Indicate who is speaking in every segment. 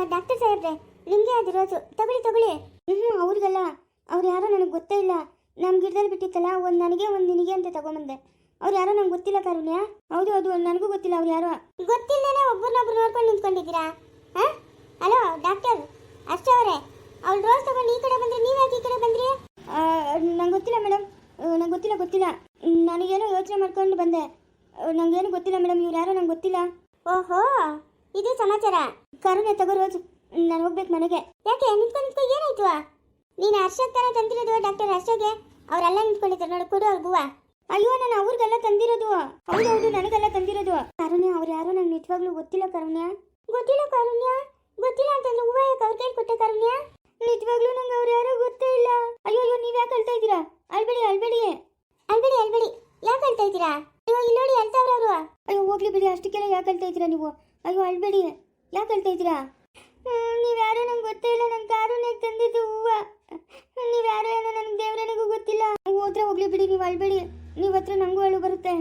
Speaker 1: Doctor ಸಾಹೇಬ್ರೆ, ನಿಮಗೆ ಅದು ರೋಜು ತಗೊಳ್ಳಿ ತಗೊಳ್ಳಿ. ಅವ್ರಿಗಲ್ಲ, ಅವ್ರು ಯಾರೋ ನನಗೆ ಗೊತ್ತೇ ಇಲ್ಲ. ನಮ್ಮ ಗಿಡದಲ್ಲಿ ಬಿಟ್ಟಿತ್ತಲ್ಲ, ಒಂದು ನನಗೆ ಒಂದು ನಿನಗೆ ಅಂತ ತಗೊಂಬಂದೆ. ಅವ್ರು ಯಾರೋ ನಂಗೆ ಗೊತ್ತಿಲ್ಲ ಕಾರುಣ್ಯ. ಹೌದು ಹೌದು, ನನಗೂ ಗೊತ್ತಿಲ್ಲ ಅವ್ರು ಯಾರೋ. ಗೊತ್ತಿಲ್ಲದೇನೆ ಒಬ್ಬರನ್ನೊಬ್ರು ನೋಡ್ಕೊಂಡು ನಿಂತ್ಕೊಂಡಿದ್ದೀರಾ? ಹಾಂ, ಹಲೋ ಡಾಕ್ಟರ್ ಅಷ್ಟೇ ಅವರೇ, ಅವ್ಳು ರೋಸ್ ತಗೊಂಡು ಈ ಕಡೆ ಬಂದ್ರೆ ನೀವು ಯಾಕೆ ಈ ಕಡೆ ಬಂದ್ರಿ? ನಂಗೆ ಗೊತ್ತಿಲ್ಲ ಮೇಡಮ್, ನಂಗೆ ಗೊತ್ತಿಲ್ಲ. ನನಗೇನೋ ಯೋಚನೆ ಮಾಡ್ಕೊಂಡು ಬಂದೆ. ನಂಗೇನು ಗೊತ್ತಿಲ್ಲ ಮೇಡಮ್, ಇವ್ರು ಯಾರೋ ನಂಗೆ ಗೊತ್ತಿಲ್ಲ. ಓಹೋ, ಇದು ಸಮಾಚಾರ. ಕಾರುಣ್ಯ ತಗೋ ರೋಜು, ನಾನು ಹೋಗ್ಬೇಕು ಮನೆಗೆ. ಯಾಕೆ ನಿಂತ್ಕೊಂಡು ಏನಾಯ್ತು? ನೀನು ಹರ್ಷಕ್ಕೆ ತಾನೇ ತಂದಿರೋದು ಡಾಕ್ಟರ್ ಹರ್ಷಗೆ? ಅವರೆಲ್ಲ ನಿಂತ್ಕೊಂಡಿದ್ದಾರೆ ನೋಡು, ಕೊಡು ಅವ್ರಿಗೂ. ಅಯ್ಯೋ, ನಾನು ಅವ್ರಿಗೆಲ್ಲ ತಂದಿರೋದು. ಹೌದೌದು, ನನಗೆಲ್ಲ ತಂದಿರೋದು. ಕಾರುಣ್ಯ, ಅವ್ರು ಯಾರೋ ನಂಗೆ ನಿಜವಾಗ್ಲೂ ಗೊತ್ತಿಲ್ಲ ಕಾರುಣ್ಯ. ಗೊತ್ತಿಲ್ಲ ಕಾರುಣ್ಯ, ಗೊತ್ತಿಲ್ಲ ಅಂತಂದ್ರೆ ಹೂವ ಯಾಕೆ ಅವ್ರ ಕೈ ಕೊಟ್ಟೆ ಕಾರುಣ್ಯ? ನಿಜವಾಗ್ಲೂ ನಂಗೆ ಅವ್ರು ಯಾರೋ ಗೊತ್ತೇ ಇಲ್ಲ. ಅಯ್ಯೋ ಅಯ್ಯೋ, ನೀವು ಯಾಕೆ ಅಳ್ತಾ ಇದ್ದೀರಾ? ಅಳ್ಬೇಡಿ ಅಳ್ಬೇಡಿ ಅಳ್ಬೇಡಿ ಅಳ್ಬೇಡಿ. ಯಾಕೆ ಅಳ್ತಾ ಇದ್ದೀರಾ? ಅಯ್ಯೋ ಇಲ್ಲಿ ನೋಡಿ, ಅಳ್ತಾವ್ರವ್ರು. ಅಯ್ಯೋ ಹೋಗ್ಲಿ ಬಿಡಿ, ಅಷ್ಟಕ್ಕೆಲ್ಲ ಯಾಕೆ ಅಳ್ತಾ ಇದ್ದೀರಾ ನೀವು? ಅಯ್ಯೋ ಅಳ್ಬೇಡಿ, ಯಾಕೆ ಅಳ್ತಾ ಇದ್ದೀರಾ? ನೀವ್ಯಾರೋ ನಂಗೆ ಗೊತ್ತೇ ಇಲ್ಲ. ನನ್ನ ಕಾರುಣ್ಯಕ್ಕೆ ತಂದಿದ್ದು ಹೂವ. ನೀವ್ಯಾರೋ ಏನೋ ನನಗೆ ದೇವ್ರನಿಗೂ ಗೊತ್ತಿಲ್ಲ. ಹೋದ್ರೆ ಹೋಗ್ಲಿ ಬಿಡಿ, ನೀವು ಅಳ್ಬೇಡಿ. ನೀವು ಹತ್ರ ನಂಗೂ ಅಳು ಬರುತ್ತೆ.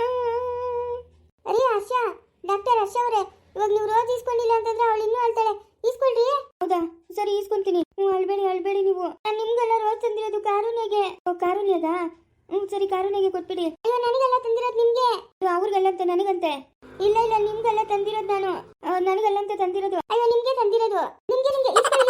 Speaker 1: ಅರೇ ಹರ್ಷ, ಡಾಕ್ಟರ್ ಹರ್ಷ ಅವರೇ, ಇವಾಗ ನೀವು ರೋಜ್ ಈಸ್ಕೊಂಡಿಲ್ಲ ಅಂತಂದ್ರೆ ಅವಳು ಇನ್ನೂ ಅಳ್ತಾಳೆ. ಈಸ್ಕೊಳ್ರಿ. ಹೌದಾ, ಸರಿ ಈಸ್ಕೊಂತೀನಿ. ಅಳ್ಬೇಡಿ ಅಳ್ಬೇಡಿ ನೀವು. ನಾನು ನಿಮ್ಗೆಲ್ಲ ರೋಜ್ ತಂದಿರೋದು ಕಾರುಣ್ಯಗೆ. ಕಾರುಣ್ಯದ? ಸರಿ, ಕಾರುಣ್ಯಗೆ ಕೊಟ್ಬಿಡಿ. ಅಯ್ಯೋ, ನನಗೆಲ್ಲ ತಂದಿರೋದು ನಿಮ್ಗೆ. ಅವ್ರಿಗೆಲ್ಲ ಅಂತ ನನಗಂತೆ? ಇಲ್ಲ ಇಲ್ಲ, ನಿಮ್ಗೆಲ್ಲ ತಂದಿರೋದು ನಾನು. ನನಗೆಲ್ಲ ಅಂತ ತಂದಿರೋದು. ಅಯ್ಯೋ, ನಿಮ್ಗೆ ತಂದಿರೋದು. ನಿಮ್ಗೆ ನಿಮ್ಗೆ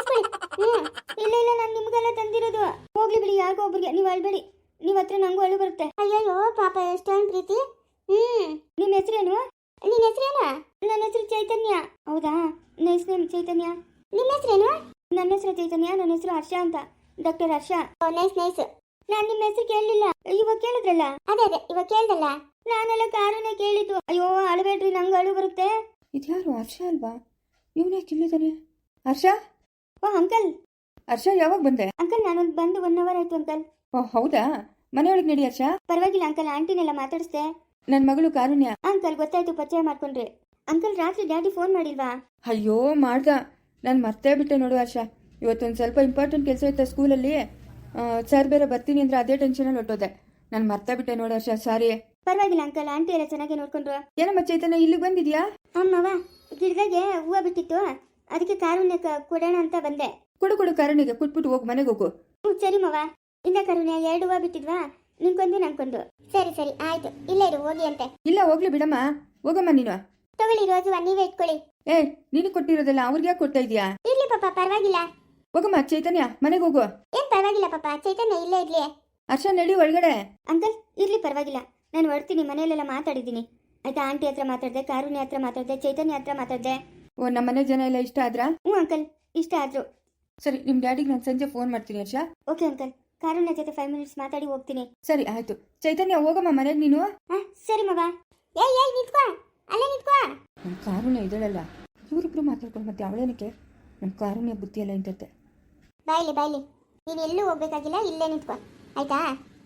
Speaker 1: ಇಲ್ಲ ಇಲ್ಲ, ನಾನು ನಿಮ್ಗೆಲ್ಲ ತಂದಿರೋದು. ಹೋಗ್ಲಿ ಬಿಡಿ, ಯಾರಿಗೋ ಒಬ್ರಿಗೆ. ನೀವು ಅಳ್ಬೇಡಿ, ನೀವು ಹತ್ರ ನಂಗೂ ಅಳು ಬರುತ್ತೆ. ಅಯ್ಯೋ ಪಾಪ, ಎಷ್ಟೊಂದು ಪ್ರೀತಿ. ನಿಮ್ಮ ಹೆಸರೇನು? ನಿನ್ನ ಹೆಸರೇನು? ನನ್ನ ಹೆಸರು ಚೈತನ್ಯ. ಹೌದಾ, ನೈಸ್ ನೇಮ್ ಚೈತನ್ಯ. ನಿಮ್ಮ ಹೆಸರೇನು? ನನ್ನ ಹೆಸರು ಚೈತನ್ಯ, ನನ್ನ ಹೆಸರು ಹರ್ಷ ಅಂತ, ಡಾಕ್ಟರ್ ಹರ್ಷ. Nice nice. ನಾನು ನಿಮ್ಮ ಹೆಸರು ಕೇಳಲಿಲ್ಲ, ಇವಾಗ ಕೇಳಿದ್ರಲ್ಲ. ಅದೇ ಅದೇ, ಇವಾಗ ಕೇಳ್ದಲ್ಲ. ನಾನೆಲ್ಲ ಕಾರಣ ಕೇಳಿದ್ದು. ಅಯ್ಯೋ ಅಳಬೇಡ್ರಿ, ನಂಗೆ ಅಳು ಬರುತ್ತೆ.
Speaker 2: ಇದ್ಯಾರು? ಹರ್ಷ ಅಲ್ವಾ? ಇವನೇ ಕಿಲ್ಲಿದ್ದಾನೆ. ಹರ್ಷ?
Speaker 1: ಓ ಅಂಕಲ್.
Speaker 2: ಹರ್ಷ, ಯಾವಾಗ ಬಂದೆ?
Speaker 1: ಅಂಕಲ್, ನಾನೊಂದು ಬಂದು 1 hour ಆಯ್ತು ಅಂಕಲ್.
Speaker 2: ಓ ಹೌದಾ? ಮನೆಯೊಳಗೆ ನಡಿ ಹರ್ಷ.
Speaker 1: ಪರವಾಗಿಲ್ಲ ಅಂಕಲ್, ಆಂಟಿನೆಲ್ಲ ಮಾತಾಡಿಸ್ದೆ.
Speaker 2: ನನ್ನ ಮಗಳು ಕಾರುಣ್ಯ.
Speaker 1: ಅಂಕಲ್ ಗೊತ್ತಾಯ್ತು, ಪರಿಚಯ ಮಾಡ್ಕೊಂಡ್ರಿ. ಅಂಕಲ್, ರಾತ್ರಿ ಡ್ಯಾಡಿ ಫೋನ್ ಮಾಡಿಲ್ವಾ?
Speaker 2: ಅಯ್ಯೋ ಮಾಡ್ದ, ನಾನು ಮರ್ತೇ ಬಿಟ್ಟೆ ನೋಡು ಹರ್ಷ. ಇವತ್ತೊಂದು ಸ್ವಲ್ಪ ಇಂಪಾರ್ಟೆಂಟ್ ಕೆಲಸ ಇತ್ತ ಸ್ಕೂಲಲ್ಲಿ. ಸರ್ ಬೇರೆ ಬರ್ತೀನಿ ಅಂದ್ರೆ ಅದೇ ಟೆನ್ಷನಲ್ಲಿ ಹೊಟ್ಟೋದೆ. ನಾನು ಮರ್ತೇ ಬಿಟ್ಟೆ ನೋಡು ಹರ್ಷ, ಸಾರಿ.
Speaker 1: ಪರವಾಗಿಲ್ಲ ಅಂಕಲ್, ಆಂಟಿ ಎಲ್ಲ ಚೆನ್ನಾಗಿ ನೋಡ್ಕೊಂಡ್ರು.
Speaker 2: ಏನಮ್ಮ ಚೈತನ್ಯ, ಇಲ್ಲಿಗೆ ಬಂದಿದ್ಯಾ?
Speaker 1: ಅಮ್ಮವ, ಗಿಡದಾಗೆ ಹೂವು ಬಿಟ್ಟಿತ್ತು, ಅದಕ್ಕೆ ಕಾರುಣ್ಯ ಕೊಡೋಣ ಅಂತ ಬಂದೆ.
Speaker 2: ಕೊಡು ಕೊಡು, ಕಾರುಣ್ಯಗೆ ಕೊಟ್ಬಿಟ್ಟು ಹೋಗು, ಮನೆಗೆ ಹೋಗು.
Speaker 1: ಸರಿ ಮವ. ಇಲ್ಲ ಕಾರುಣ್ಯ, 2 ಹೂವು ಬಿಟ್ಟಿದ್ವಾ, ನಿನ್ಕೊಂದು ನನ್ಕೊಂದು. ಸರಿ ಸರಿ ಆಯ್ತು, ಇಲ್ಲೇ ಇರು, ಹೋಗಿ ಅಂತೆ.
Speaker 2: ಇಲ್ಲ ಹೋಗ್ಲಿ ಬಿಡಮ್ಮ, ಹೋಗಮ್ಮ ನೀನು.
Speaker 1: ತಗೊಳ್ಳಿ ರೋಜುವ, ನೀವೇ ಇಟ್ಕೊಳ್ಳಿ.
Speaker 2: ನೀನು ಕೊಟ್ಟಿರೋದಲ್ಲ ಅವ್ರಿಗೆ ಯಾಕೆ ಕೊಡ್ತಾ ಇದೀಯಾ?
Speaker 1: ಇರ್ಲಿ ಪಾಪ, ಪರವಾಗಿಲ್ಲ.
Speaker 2: ಹೋಗಮ್ಮ ಚೈತನ್ಯ, ಮನೆಗೆ ಹೋಗು.
Speaker 1: ಏನ್ ಪರವಾಗಿಲ್ಲ ಪಾಪ, ಚೈತನ್ಯ ಇಲ್ಲೇ ಇರ್ಲಿ.
Speaker 2: ಹರ್ಷ ನಡಿ ಒಳಗಡೆ.
Speaker 1: ಅಂಕಲ್ ಇರ್ಲಿ, ಪರವಾಗಿಲ್ಲ, ನಾನು ಹೊಡ್ತೀನಿ. ಮನೆಯಲ್ಲೆಲ್ಲ ಮಾತಾಡಿದ್ದೀನಿ ಆಯ್ತಾ. ಆಂಟಿ ಹತ್ರ ಮಾತಾಡ್ದೆ, ಕಾರುಣ್ಯ ಹತ್ರ ಮಾತಾಡ್ದೆ, ಚೈತನ್ಯ ಹತ್ರ ಮಾತಾಡ್ದೆ.
Speaker 2: ಓ, ನಮ್ಮ ಮನೆ ಜನ ಎಲ್ಲ ಇಷ್ಟ ಆದ್ರಾ?
Speaker 1: ಅಂಕಲ್, ಇಷ್ಟ ಆದ್ರು.
Speaker 2: ಸರಿ, ನಿಮ್ಮ ಡ್ಯಾಡಿಗೆ ನಾನು ಸಂಜೆ ಫೋನ್ ಮಾಡ್ತೀನಿ ಹರ್ಷ.
Speaker 1: ಓಕೆ ಅಂಕಲ್, ಕಾರುಣ್ಯ ಜೊತೆ 5 minutes ಮಾತಾಡಿ ಹೋಗ್ತೀನಿ.
Speaker 2: ಸರಿ ಆಯ್ತು. ಚೈತನ್ಯ ಹೋಗಮ್ಮ ಮನೆಗೆ ನೀನು.
Speaker 1: ಸರಿ ಮಗ. ಏಯ್ ನಿಂತ್ಕೋ, ಅಲ್ಲೇ ನಿಂತ್ಕೋ.
Speaker 2: ನಮ್ಮ ಕಾರುಣ್ಯ ಇದಳಲ್ಲ, ಇವರಿಬ್ರು ಮಾತಾಡ್ಕೊಂಡು ಮತ್ತೆ ಅವಳೇನಕ್ಕೆ? ನಮ್ಮ ಕಾರುಣ್ಯ ಬುದ್ಧಿ ಎಲ್ಲ ಇಂತತ್ತೆ.
Speaker 1: ಬಾಯ್ಲಿ ಬಾಯ್ಲಿ, ನೀನು ಎಲ್ಲೂ ಹೋಗ್ಬೇಕಾಗಿಲ್ಲ, ಇಲ್ಲೇ ನಿಂತ್ಕೋ ಆಯ್ತಾ.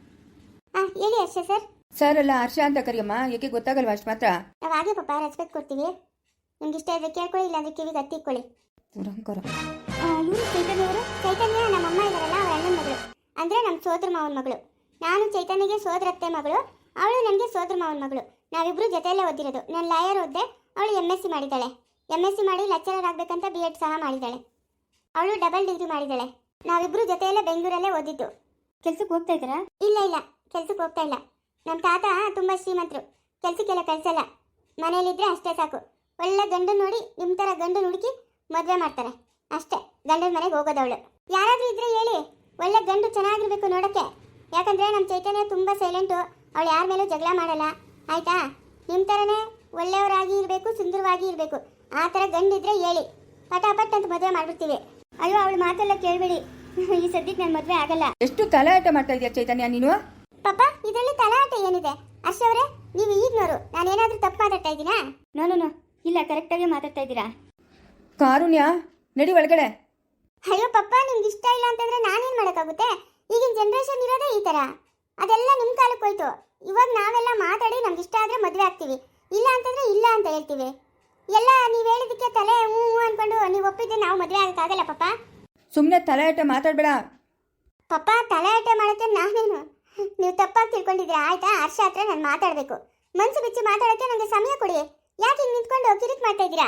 Speaker 1: ಹೇಳಿ ಹರ್ಷ ಸರ್.
Speaker 2: ಸರ್ ಅಲ್ಲ, ಹರ್ಷ ಅಂತ ಕರಿಯಮ್ಮ, ಯಾಕೆ ಗೊತ್ತಾಗಲ್ವಾ ಅಷ್ಟು ಮಾತ್ರ?
Speaker 1: ನಾವು ಹಾಗೆ ಪಾಪ ರೆಸ್ಪೆಕ್ಟ್ ಕೊಡ್ತೀವಿ. ನಿಮ್ಗೆ ಇಷ್ಟ ಇದ್ರೆ ಕೇಳ್ಕೊಳ್ಳಿ, ಇಲ್ಲಾಂದ್ರೆ ಕಿವಿಗೆ ಹತ್ತಿಕ್ಕೊಳ್ಳಿ.
Speaker 2: ದುರಂಕಾರ.
Speaker 1: ಇವರು ಚೈತನ್ಯ ಅವರು. ಚೈತನ್ಯ ನಮ್ಮ ಅಮ್ಮ ಇದ್ದಾರಲ್ಲ, ಅವಳ ಅಣ್ಣನ ಮಗಳು, ಅಂದರೆ ನಮ್ಮ ಸೋದರ ಮಾವನ ಮಗಳು. ನಾನು ಚೈತನ್ಯಗೆ ಸೋದರತ್ತೆ ಮಗಳು, ಅವಳು ನನಗೆ ಸೋದರ ಮಾವನ ಮಗಳು. ನಾವಿಬ್ಬರು ಜೊತೆಯಲ್ಲೇ ಓದಿರೋದು. ನಾನು ಲಾಯರ್ ಓದಿದೆ, ಅವಳು MSc ಮಾಡಿದ್ದಾಳೆ. MSc ಮಾಡಿ ಲೆಕ್ಚರರ್ ಆಗಬೇಕಂತ B.Ed ಸಹ ಮಾಡಿದ್ದಾಳೆ. ಅವಳು ಡಬಲ್ ಡಿಗ್ರಿ ಮಾಡಿದ್ದಾಳೆ. ನಾವಿಬ್ಬರು ಜೊತೆಯಲ್ಲೇ ಬೆಂಗಳೂರಲ್ಲೇ ಓದಿದ್ದು. ಕೆಲ್ಸಕ್ಕೆ ಹೋಗ್ತಾ ಇದ್ದಾರಾ? ಇಲ್ಲ ಇಲ್ಲ, ಕೆಲ್ಸಕ್ಕೆ ಹೋಗ್ತಾ ಇಲ್ಲ. ನಮ್ಮ ತಾತ ತುಂಬ ಶ್ರೀಮಂತರು, ಕೆಲ್ಸಕ್ಕೆಲ್ಲ ಕಳಿಸಲ್ಲ. ಮನೇಲಿದ್ರೆ ಅಷ್ಟೇ ಸಾಕು. ಒಳ್ಳೆ ಗಂಡು ನೋಡಿ, ನಿಮ್ಮ ಥರ ಗಂಡು ಹುಡುಕಿ ಮದುವೆ ಮಾಡ್ತಾರೆ ಅಷ್ಟೇ. ಗಂಡನ ಮನೆಗೆ ಹೋಗೋದವಳು. ಯಾರಾದರೂ ಇದ್ರೆ ಹೇಳಿ, ಒಳ್ಳೆ ಗಂಡು ಚೆನ್ನಾಗಿರ್ಬೇಕು ನೋಡೋಕ್ಕೆ. ಯಾಕಂದರೆ ನಮ್ಮ ಚೈತನ್ಯ ತುಂಬ ಸೈಲೆಂಟು, ಅವಳು ಯಾರ ಮೇಲೂ ಜಗಳ ಮಾಡಲ್ಲ ಆಯಿತಾ. ನಿಮ್ಮ ಥರನೇ ಒಳ್ಳೆಯವರಾಗಿ ಇರಬೇಕು, ಸುಂದರವಾಗಿ ಇರಬೇಕು. ಆ ಥರ ಗಂಡಿದ್ರೆ ಹೇಳಿ, ಪಟಾಪಟ್ ಅಂತ ಮದುವೆ ಮಾಡಿಬಿಡ್ತೀವಿ. ಅಯ್ಯೋ, ಅವಳು ಮಾತೆಲ್ಲ ಕೇಳಬೇಡಿ, ಈ ಸದ್ಯಕ್ಕೆ ನನ್ನ ಮದುವೆ ಆಗಲ್ಲ.
Speaker 2: ಎಷ್ಟು ತಲಾಟ ಮಾಡ್ತಾ ಇದೆಯಾ ಚೈತನ್ಯ ನೀನು?
Speaker 1: ಪಾಪ, ಇದರಲ್ಲಿ ತಲಾಟ ಏನಿದೆ? ಹರ್ಷ ಅವರೇ, ನೀವು ಈಗ್ನೋರು, ನಾನೇನಾದರೂ ತಪ್ಪು ಮಾತಾಡ್ತಾ ಇದ್ದೀನಾ? ನೋ, ಇಲ್ಲ, ಕರೆಕ್ಟಾಗಿ ಮಾತಾಡ್ತಾ ಇದ್ದೀರಾ.
Speaker 2: ಕಾರುಣ್ಯ ನಡಿ ಒಳಗಡೆ.
Speaker 1: ಅಯ್ಯೋ ಪಪ್ಪ, ನಿಮ್ಗೆ ಇಷ್ಟ ಇಲ್ಲ ಅಂತಂದ್ರೆ ನಾನೇನು ಮಾಡೋಕ್ಕಾಗುತ್ತೆ? ಈಗಿನ ಜನ್ರೇಷನ್ ಇರೋದೇ ಈ ಥರ. ಅದೆಲ್ಲ ನಿಮ್ಮ ಕಾಲಕ್ಕೆ ಹೋಯ್ತು. ಇವಾಗ ನಾವೆಲ್ಲ ಮಾತಾಡಿ ನಮ್ಗೆ ಇಷ್ಟ ಆದರೆ ಮದುವೆ ಆಗ್ತೀವಿ, ಇಲ್ಲ ಅಂತಂದ್ರೆ ಇಲ್ಲ ಅಂತ ಹೇಳ್ತೀವಿ. ಎಲ್ಲ ನೀವು ಹೇಳಿದಕ್ಕೆ ತಲೆ ಹ್ಞೂ ಅಂದ್ಕೊಂಡು ನೀವು ಒಪ್ಪಿದ್ರೆ ನಾವು ಮದುವೆ ಆಗೋಕ್ಕಾಗಲ್ಲ ಪಪ್ಪ.
Speaker 2: ಸುಮ್ಮನೆ ತಲಾಟ ಮಾತಾಡಬೇಡ
Speaker 1: ಪಪ್ಪ. ತಲಾಟೆ ಮಾಡೋಕ್ಕೆ ನಾನೇನು? ನೀವು ತಪ್ಪಾಗಿ ತಿಳ್ಕೊಂಡಿದ್ದೀರಾ ಆಯ್ತಾ. ಹರ್ಷ ಹತ್ರ ನಾನು ಮಾತಾಡಬೇಕು, ಮನಸ್ಸು ಬಿಚ್ಚಿ ಮಾತಾಡೋಕ್ಕೆ ನನಗೆ ಸಮಯ ಕೊಡಿ. ಯಾಕೆ ಹಿಂಗೆ ನಿಂತ್ಕೊಂಡು ಕಿರಿಕ್ ಮಾಡ್ತಾ ಇದ್ದೀರಾ?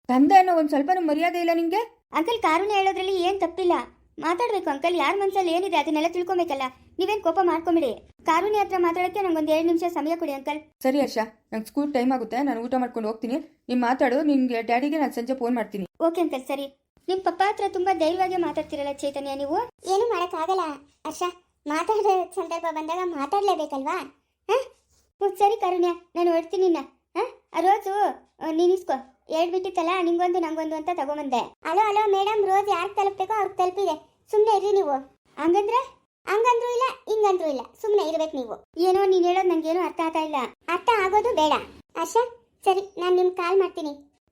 Speaker 2: ತಂದೆ ಅನ್ನೋ ಒಂದು ಸ್ವಲ್ಪನೂ ಮರ್ಯಾದೆ ಇಲ್ಲ ನಿಂಗೆ?
Speaker 1: ಅಂಕಲ್ ಕಾರುಣ್ಯ ಹೇಳೋದ್ರಲ್ಲಿ ಏನ್ ತಪ್ಪಿಲ್ಲ, ಮಾತಾಡ್ಬೇಕು ಅಂಕಲ್. ಯಾರ ಮನ್ಸಲ್ಲಿ ಏನಿದೆ ಅದನ್ನೆಲ್ಲ ತಿಳ್ಕೊಬೇಕಲ್ಲ. ನೀವೇನ್ ಕೋಪ ಮಾಡ್ಕೊಂಬಿಡಿ. ಕಾರುಣ್ಯ ಹತ್ರ ಮಾತಾಡಕ್ಕೆ ನಂಗೊಂದು 2 ನಿಮಿಷ ಸಮಯ ಕೊಡಿ ಅಂಕಲ್.
Speaker 2: ಸರಿ ಹರ್ಷ, ನಂಗೆ ಸ್ಕೂಲ್ ಟೈಮ್ ಆಗುತ್ತೆ, ನಾನು ಊಟ ಮಾಡ್ಕೊಂಡು ಹೋಗ್ತೀನಿ. ನೀನು ಮಾತಾಡು, ನಿನ್ಗೆ ಡ್ಯಾಡಿಗೆ ನಾನು ಸಂಜೆ ಫೋನ್ ಮಾಡ್ತೀನಿ.
Speaker 1: ಓಕೆ ಅಂಕಲ್, ಸರಿ. ನಿಮ್ ಪಪ್ಪ ಹತ್ರ ತುಂಬಾ ಧೈರ್ಯವಾಗಿ ಮಾತಾಡ್ತಿರಲ್ಲ ಚೈತನ್ಯ ನೀವು. ಏನು ಮಾಡಕ್ಕಾಗಲ್ಲ ಹರ್ಷ, ಮಾತಾಡೋ ಸಂದರ್ಭ ಬಂದಾಗ ಮಾತಾಡ್ಲೇಬೇಕಲ್ವಾ. ಸರಿ ಕಾರುಣ್ಯ, ನಾನು ಹೊಡ್ತೀನಿ. ರೋಜು ನೀನ್ ಇಸ್ಕೋ, ಹೇಳ್ಬಿಟ್ಟಿತ್ತಲ್ಲ ನಿಂಗೊಂದು ನಂಗೊಂದು ಅಂತ ತಗೊಂಬಂದೆ. ಅಲೋ ಅಲೋ ಮೇಡಮ್, ರೋಜ್ ಯಾರು ತಲುಪಬೇಕೋ ಅವ್ರಿಗೆ ತಲುಪಿದೆ, ಸುಮ್ಮನೆ ಇರ್ರಿ ನೀವು. ಹಂಗಂದ್ರೆ ಹಂಗಂದ್ರೂ ಇಲ್ಲ ಹಿಂಗಂದ್ರೂ ಇಲ್ಲ, ಸುಮ್ಮನೆ ಇರ್ಬೇಕು ನೀವು. ಏನೋ ನೀನ್ ಹೇಳೋದು ನಂಗೇನು ಅರ್ಥ ಆಗ್ತಾ ಇಲ್ಲ. ಅರ್ಥ ಆಗೋದು ಬೇಡ ಹರ್ಷ. ಸರಿ, ನಾನು ನಿಮ್ಗೆ ಕಾಲ್ ಮಾಡ್ತೀನಿ.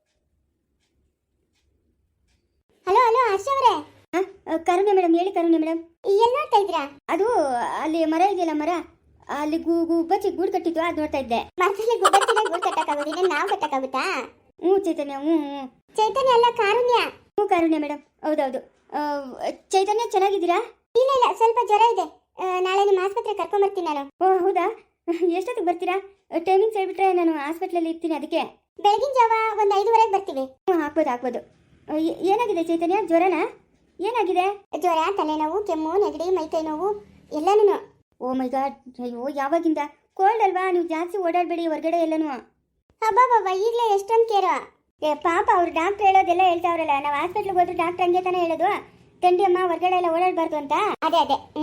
Speaker 1: ಹಲೋ ಹಲೋ ಹರ್ಷ ಅವರೇ. ಕರುಣೆ ಮೇಡಮ್, ಹೇಳಿ ಕರುಣೆ ಮೇಡಮ್. ಎಲ್ಲಿ ನೋಡ್ತಾ ಇದ್ದೀರಾ? ಅದು ಅಲ್ಲಿ ಮರ ಇದೆಯಲ್ಲ, ಮರ ಅಲ್ಲಿ ಗುಬ್ಬಚ್ಚಿ ಗೂಡು ಕಟ್ಟಿದ್ವು, ಅದು ನೋಡ್ತಾ ಇದ್ದೆ. ಮರದಲ್ಲಿ ಗುಬ್ಬಚ್ಚಿಗೆ ಗೂಡು ಕಟ್ಟಕ್ಕಾಗೋದಿಲ್ಲ, ನಾವು ಕಟ್ಟಕ್ಕಾಗುತ್ತಾ? ಚೈತನ್ಯ. ಚೈತನ್ಯ ಅಲ್ಲ, ಕಾರುಣ್ಯ. ಕಾರುಣ್ಯ ಮೇಡಮ್, ಹೌದೌದು. ಚೈತನ್ಯ ಚೆನ್ನಾಗಿದ್ದೀರಾ? ಇಲ್ಲ ಇಲ್ಲ, ಸ್ವಲ್ಪ ಜ್ವರ ಇದೆ. ನಾಳೆ ನಿಮ್ಮ ಆಸ್ಪತ್ರೆ ಕರ್ಕೊಂಡ್ಬರ್ತೀನಿ ನಾನು. ಓ ಹೌದಾ, ಎಷ್ಟೊತ್ತಿಗೆ ಬರ್ತೀರಾ? ಟೈಮಿಂಗ್ಸ್ ಹೇಳ್ಬಿಟ್ರೆ ನಾನು ಹಾಸ್ಪಿಟ್ಲಲ್ಲಿ ಇರ್ತೀನಿ. ಅದಕ್ಕೆ ಬೆಳಗಿನ ಜಾವ ಒಂದು 5:30ಗೆ ಬರ್ತೀವಿ. ಹಾಕ್ಬೋದು. ಏನಾಗಿದೆ ಚೈತನ್ಯ? ಜ್ವರನಾ? ಏನಾಗಿದೆ? ಜ್ವರ, ತಲೆನೋವು, ಕೆಮ್ಮು, ನೆಗಡಿ, ಮೈಕೈ ನೋವು ಎಲ್ಲನೂ. ಓ ಮೈ ಗಾಡ್, ಅಯ್ಯೋ ಯಾವಾಗಿಂದ? ಕೋಲ್ಡ್ ಅಲ್ವಾ, ನೀವು ಜಾಸ್ತಿ ಓಡಾಡಬೇಡಿ ಹೊರಗಡೆ ಎಲ್ಲನೂ. ಹಬ್ಬ ಈಗಲೇ ಎಷ್ಟೊಂದು ಕೇರ. ಪಾಪ ಅವ್ರು ಡಾಕ್ಟರ್ ಹೇಳೋದೆಲ್ಲ ಹೇಳ್ತಾವ್ರಲ್ಲ, ನಾವು ಹಾಸ್ಪಿಟ್ಲಿಗೆ ಹೋದ್ರೆ ಡಾಕ್ಟರ್ ಹಂಗೆ ತಾನೇ ಹೇಳೋದು, ತಂಡಿ ಅಮ್ಮ ಹೊರಗಡೆ ಎಲ್ಲ ಓಡಾಡಬಾರ್ದು ಅಂತ. ಅದೇ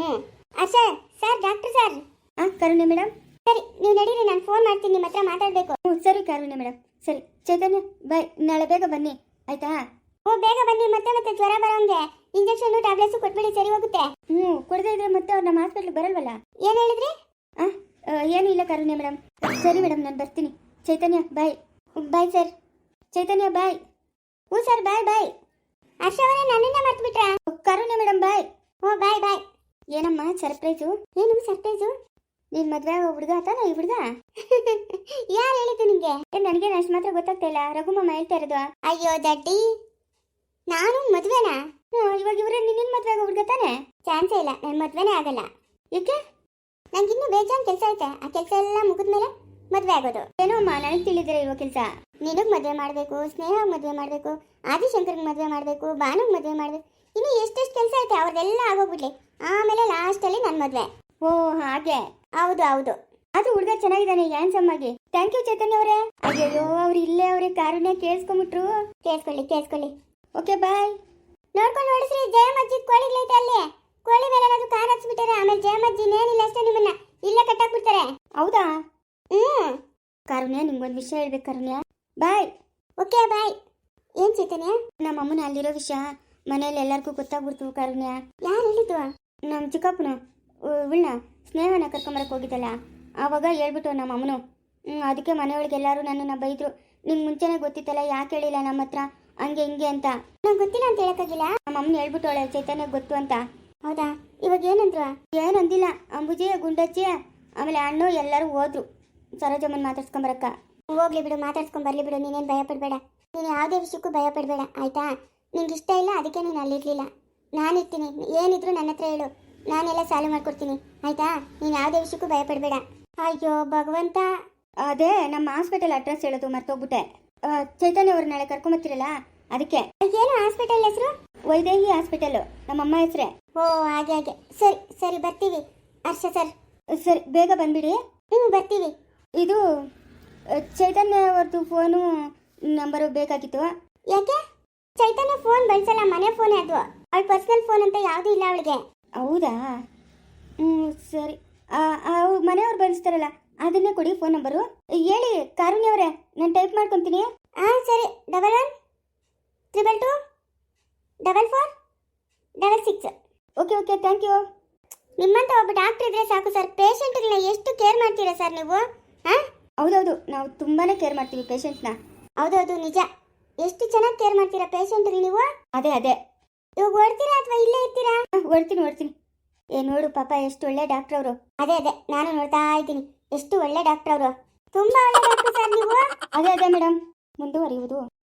Speaker 1: sir doctor sir. Karune madam, ಸರಿ ನೀವು ನಡೀರಿ, ನಾನು ಫೋನ್ ಮಾಡ್ತೀನಿ, ನಿಮ್ಮ ಹತ್ರ ಮಾತಾಡಬೇಕು. ಸರಿ ಕರುಣೆ ಮೇಡಮ್, ಸರಿ. ಚೈತನ್ಯ ಬಾಯ್, ನಾಳೆ ಬೇಗ ಬನ್ನಿ ಆಯ್ತಾ? ಬೇಗ ಬನ್ನಿ, ಮತ್ತೆ ಜ್ವರ ಬರೋಂಗೆ ಇಂಜೆಕ್ಷನ್ ಟ್ಯಾಬ್ಲೆಟ್ಸ್ ಕೊಟ್ಬಿಡಿ, ಸರಿ ಹೋಗುತ್ತೆ. ಕೊಡದೇ ಇದ್ರೆ ಮತ್ತೆ ಅವ್ರು ನಮ್ಮ ಹಾಸ್ಪಿಟ್ಲಿಗೆ ಬರಲ್ವಲ್ಲ. ಏನು ಹೇಳಿದ್ರಿ? ಏನೂ ಇಲ್ಲ ಕರುಣ್ಯ ಮೇಡಮ್. ಸರಿ ಮೇಡಮ್, ನಾನು ಬರ್ತೀನಿ. ಚೈತನ್ಯ ಬಾಯ್. Bye sir. ಚೈತನ್ಯ ಬಾಯ್. Sir bye. ಹರ್ಷ ಅವರೇ, ನನ್ನನ್ನ ಮರ್ತು ಬಿಟ್ರಾ? Karunya madam bye. ಬಾಯ್. ಏನಮ್ಮ ಸರ್ಪ್ರೈಸು? ಏನು ಸರ್ಪ್ರೈಸು? ನೀನ್ ಮದ್ವೆ ಆಗೋ ಹುಡುಗ ತಾನೆ ಈ ಹುಡುಗ? ಯಾರು ಹೇಳಿದ್ದು ನಿಂಗೆ? ನನಗೇನು ಅಷ್ಟು ಮಾತ್ರ ಗೊತ್ತಾಗ್ತಾ ಇಲ್ಲ. ರಘುಮಮ್ಮ ಹೇಳ್ತಾ ಇರೋದು. ಅಯ್ಯೋ ದಡ್ಡಿ, ನಾನು ಮದ್ವೆನಾ? ಇವಾಗ ಇವ್ರೆ ನಿನ್ನ ಮದ್ವೆ ಆಗೋ ಹುಡುಗ ತಾನೆ? ಚಾನ್ಸೇ ಇಲ್ಲ, ನನ್ನ ಮದ್ವೆನೇ ಆಗಲ್ಲ. ಏಕೆ? ನಂಗಿನ್ನೂ ಬೇಜಾನ್ ಕೆಲಸ ಐತೆ, ಆ ಕೆಲಸ ಎಲ್ಲ ಮುಗಿದ್ಮೇಲೆ ಮದ್ವೆ ಆಗೋದು. ಏನೋ ಅಮ್ಮ, ನನಗೆ ತಿಳಿದಿರ ಇರೋ ಕೆಲಸ. ನಿನಗ್ ಮದ್ವೆ ಮಾಡಬೇಕು, ಸ್ನೇಹ ಮದ್ವೆ ಮಾಡಬೇಕು, ಆದಿಶಂಕರ್ಗೆ ಮದ್ವೆ ಮಾಡಬೇಕು, ಭಾನುಗ್ ಮದ್ವೆ ಮಾಡಬೇಕು, ಇನ್ನು ಎಷ್ಟೆಷ್ಟು ಕೆಲಸ ಐತೆ, ಅವ್ರದೆಲ್ಲ ಆಗೋಗ್ಬಿಡ್ಲಿ. ಆಮೇಲೆ ಲಾಸ್ಟಲ್ಲಿ ನನ್ನ ಮದ್ವೆ. ಓ ಹಾಗೆ. ಹೌದು. ಆದ್ರೂ ಹುಡುಗ ಚೆನ್ನಾಗಿದ್ದಾನೆ, ಹ್ಯಾಂಡ್ಸಮ್ ಆಗಿ. ಥ್ಯಾಂಕ್ ಯು ಚೈತನ್ಯ ಅವರೇ. ಅಯ್ಯೋ, ಅವ್ರು ಇಲ್ಲೇ ಅವರೇ, ಕಾರುಣ್ಯ ಕೇಳಿಸ್ಕೊಂಬಿಟ್ರು. ಕೇಳಿಸ್ಕೊಳ್ಳಿ. Okay bye. ನೋಡ್ಕೊಂಡು ನೋಡಿಸ್ರಿ, ಜಯಮಜ್ಜಿ ಕೋಳಿಗಳೈತೆ ಅಲ್ಲಿ. ಕೋಳಿ ಮೇಲೆ ಏನಾದ್ರು ಕಾರ್ ಹಚ್ಬಿಟ್ಟಾರೆ, ಆಮೇಲೆ ಜಯಮಜ್ಜಿ ಏನಿಲ್ಲ ಅಷ್ಟೇ, ನಿಮ್ಮನ್ನ ಇಲ್ಲೇ ಕಟ್ಟಾಕ್ಬಿಡ್ತಾರೆ. ಹೌದಾ? ಕಾರುಣ್ಯ, ನಿಮ್ಗೊಂದು ವಿಷಯ ಹೇಳ್ಬೇಕು ಕಾರುಣ್ಯ. ಬಾಯ್. Okay bye. ಏನ್ ಚೈತನ್ಯ? ನಮ್ಮ ಅಮ್ಮನ ಅಲ್ಲಿರೋ ವಿಷಯ ಮನೇಲಿ ಎಲ್ಲರಿಗೂ ಗೊತ್ತಾಗ್ಬಿಡ್ತು ಕಾರುಣ್ಯ. ಯಾರು ಹೇಳಿದ್ದು? ನಮ್ಮ ಚಿಕ್ಕಪ್ಪನು ಉಳ್ಳ ಸ್ನೇಹನ ಕರ್ಕೊಂಬರಕ್ಕೆ ಹೋಗಿದ್ದಲ್ಲ, ಆವಾಗ ಹೇಳ್ಬಿಟ್ಟು ನಮ್ಮ ಅಮ್ಮನು. ಅದಕ್ಕೆ ಮನೆಯೊಳಗೆ ಎಲ್ಲರೂ ನನ್ನನ್ನು ಬೈದ್ರು. ನಿಂಗೆ ಮುಂಚೆನೇ ಗೊತ್ತಿತ್ತಲ್ಲ, ಯಾಕೆ ಹೇಳಿಲ್ಲ ನಮ್ಮ ಹತ್ರ, ಹಂಗೆ ಹಿಂಗೆ ಅಂತ. ನಂಗೆ ಗೊತ್ತಿಲ್ಲ ಅಂತ ಹೇಳಕ್ಕಾಗಿಲ್ಲ. ನಮ್ಮ ಅಮ್ಮನ ಹೇಳ್ಬಿಟ್ಟವಳೆ ಚೈತನ್ಯ ಗೊತ್ತು ಅಂತ. ಹೌದಾ? ಇವಾಗ ಏನಂದ್ರು? ಏನಂದಿಲ್ಲ. ಅಂಬುಜಿ, ಗುಂಡಜ್ಜಿ, ಆಮೇಲೆ ಅಣ್ಣು ಎಲ್ಲರೂ ಹೋದ್ರು ಸರೋಜಮ್ಮನ ಮಾತಾಡ್ಸ್ಕೊಂಬರಕ್ಕ. ಹೋಗ್ಲಿ ಬಿಡು, ಮಾತಾಡ್ಸ್ಕೊಂಬರ್ಲಿ ಬಿಡು, ನೀನೇನು ಭಯ ಪಡಬೇಡ. ನೀನು ಯಾವುದೇ ವಿಷಯಕ್ಕೂ ಭಯ ಪಡಬೇಡ ಆಯ್ತಾ? ನಿಂಗೆ ಇಷ್ಟ ಇಲ್ಲ ಅದಕ್ಕೆ ನೀನು ಅಲ್ಲಿರ್ಲಿಲ್ಲ. ನಾನಿರ್ತೀನಿ, ಏನಿದ್ರು ನನ್ನ ಹತ್ರ ಹೇಳು, ನಾನೆಲ್ಲ ಸಾಲ್ವ್ ಮಾಡ್ಕೊಡ್ತೀನಿ ಆಯ್ತಾ? ನೀನು ಯಾವುದೇ ವಿಷಯಕ್ಕೂ ಭಯ ಪಡಬೇಡ. ಅಯ್ಯೋ ಭಗವಂತ, ಅದೇ ನಮ್ಮ ಹಾಸ್ಪಿಟಲ್ ಅಡ್ರೆಸ್ ಹೇಳೋದು ಮರ್ತೋಗ್ಬಿಟ್ಟೆ. ಚೈತನ್ಯ ಅವ್ರು ನಾಳೆ ಕರ್ಕೊಂಬರ್ತೀರಲ್ಲ, ಅದಕ್ಕೆ. ಏನು ಹಾಸ್ಪಿಟಲ್ ಹೆಸರು? ವೈದೇಹಿ ಹಾಸ್ಪಿಟಲ್, ನಮ್ಮಮ್ಮ ಹೆಸರೇ. ಓ ಹಾಗೆ. ಸರಿ ಬರ್ತೀವಿ ಹರ್ಷ ಸರ್. ಸರಿ ಬೇಗ ಬಂದ್ಬಿಡಿ. ಬರ್ತೀವಿ. ಇದು ಚೈತನ್ಯ ಅವ್ರದ್ದು ಫೋನು ನಂಬರು ಬೇಕಾಗಿತ್ತು. ಯಾಕೆ? ಚೈತನ್ಯ ಫೋನ್ ಬಳಸಲ್ಲ, ಮನೆ ಫೋನೇ ಅದು. ಅವಳ ಪರ್ಸನಲ್ ಫೋನ್ ಅಂತ ಯಾವುದೂ ಇಲ್ಲ ಅವಳಿಗೆ. ಹೌದಾ? ಸರಿ. ಮನೆಯವ್ರು ಬಳಸ್ತಾರಲ್ಲ ಅದನ್ನೇ ಕೊಡಿ ಫೋನ್ ನಂಬರು. ಹೇಳಿ ಕಾರುಣ್ಯ ಅವರೇ, ನಾನು ಟೈಪ್ ಮಾಡ್ಕೊತೀನಿ. ಸರಿ. 11-224-4466. Okay thank you. ನಿಮ್ಮಂತ ಒಬ್ಬ ಡಾಕ್ಟರ್ ಇದ್ರೆ ಸಾಕು ಸರ್. ಪೇಷಂಟ್ಗಳನ್ನ ಎಷ್ಟು ಕೇರ್ ಮಾಡ್ತೀರಾ ಸರ್ ನೀವು? ಹೌದೌದು, ನಾವು ತುಂಬಾನೇ ಕೇರ್ ಮಾಡ್ತೀವಿ ಪೇಷಂಟ್ನ. ಹೌದೌದು ನಿಜ. ಎಷ್ಟು ಚೆನ್ನಾಗಿ ಕೇರ್ ಮಾಡ್ತೀರಾ ಪೇಷಂಟ್ಗೆ ನೀವು. ಅದೇ ಇವಾಗ ಓಡ್ತೀರಾ ಅಥವಾ ಇಲ್ಲೇ ಇರ್ತೀರಾ? ಓಡ್ತೀನಿ. ನೋಡು ಪಾಪ, ಎಷ್ಟು ಒಳ್ಳೆ ಡಾಕ್ಟರ್ ಅವರು. ಅದೇ ನಾನು ನೋಡ್ತಾ ಇದ್ದೀನಿ, ಎಷ್ಟು ಒಳ್ಳೆ ಡಾಕ್ಟರ್ ಅವರು. ತುಂಬಾ ಒಳ್ಳೆ ಡಾಕ್ಟರ್ ಸರ್ ನೀವು. ಅದೇ ಮೇಡಮ್, ಮುಂದುವರಿಯುವುದು